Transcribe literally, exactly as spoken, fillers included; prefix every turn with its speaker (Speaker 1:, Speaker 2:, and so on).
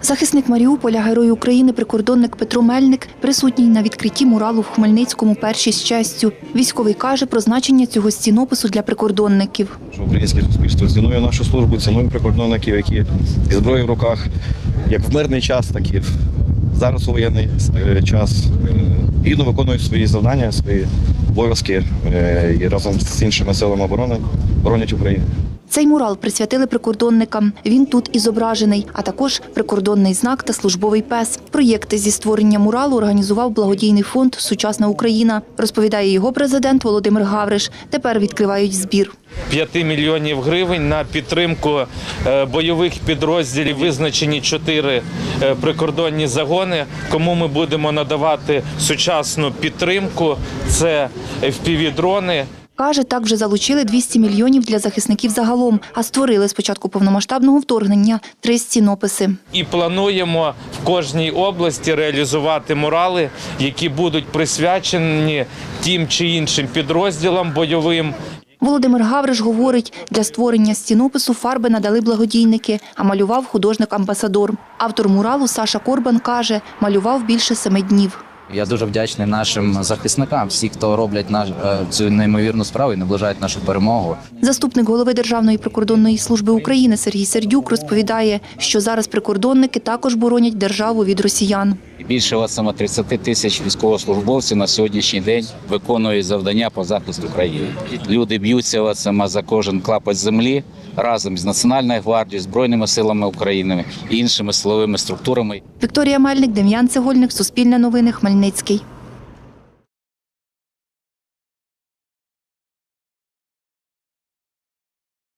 Speaker 1: Захисник Маріуполя, Герой України, прикордонник Петро Мельник присутній на відкритті муралу в Хмельницькому «Перші з честю». Військовий каже про значення цього стінопису для прикордонників.
Speaker 2: Українське суспільство цінує нашу службу, цінує прикордонників, які зі зброєю в руках, як в мирний час, так і зараз у воєнний час, гідно виконують свої завдання, свої обов'язки і разом з іншими силами оборони боронять Україну.
Speaker 1: Цей мурал присвятили прикордонникам. Він тут і зображений, а також прикордонний знак та службовий пес. Проєкти зі створення муралу організував благодійний фонд «Сучасна Україна», розповідає його президент Володимир Гавриш. Тепер відкривають збір.
Speaker 3: п'ять мільйонів гривень на підтримку бойових підрозділів. Визначені чотири прикордонні загони, кому ми будемо надавати сучасну підтримку. Це еф пі ві-дрони.
Speaker 1: Каже, так вже залучили двісті мільйонів для захисників загалом, а створили з початку повномасштабного вторгнення три стінописи.
Speaker 3: І плануємо в кожній області реалізувати мурали, які будуть присвячені тим чи іншим підрозділам бойовим.
Speaker 1: Володимир Гавриш говорить, для створення стінопису фарби надали благодійники, а малював художник-амбасадор. Автор муралу Саша Корбан каже, малював більше семи днів.
Speaker 4: Я дуже вдячний нашим захисникам, всі, хто роблять наш, цю неймовірну справу і наближають нашу перемогу.
Speaker 1: Заступник голови Державної прикордонної служби України Сергій Сердюк розповідає, що зараз прикордонники також боронять державу від росіян.
Speaker 5: Більше тридцять тисяч військовослужбовців на сьогоднішній день виконують завдання по захисту країни. Люди б'ються за кожен клапоть землі разом з Національною гвардією, Збройними силами України і іншими силовими структурами.
Speaker 1: Вікторія Мельник, Дем'ян Цегольник, Суспільне новини, Хмельницький.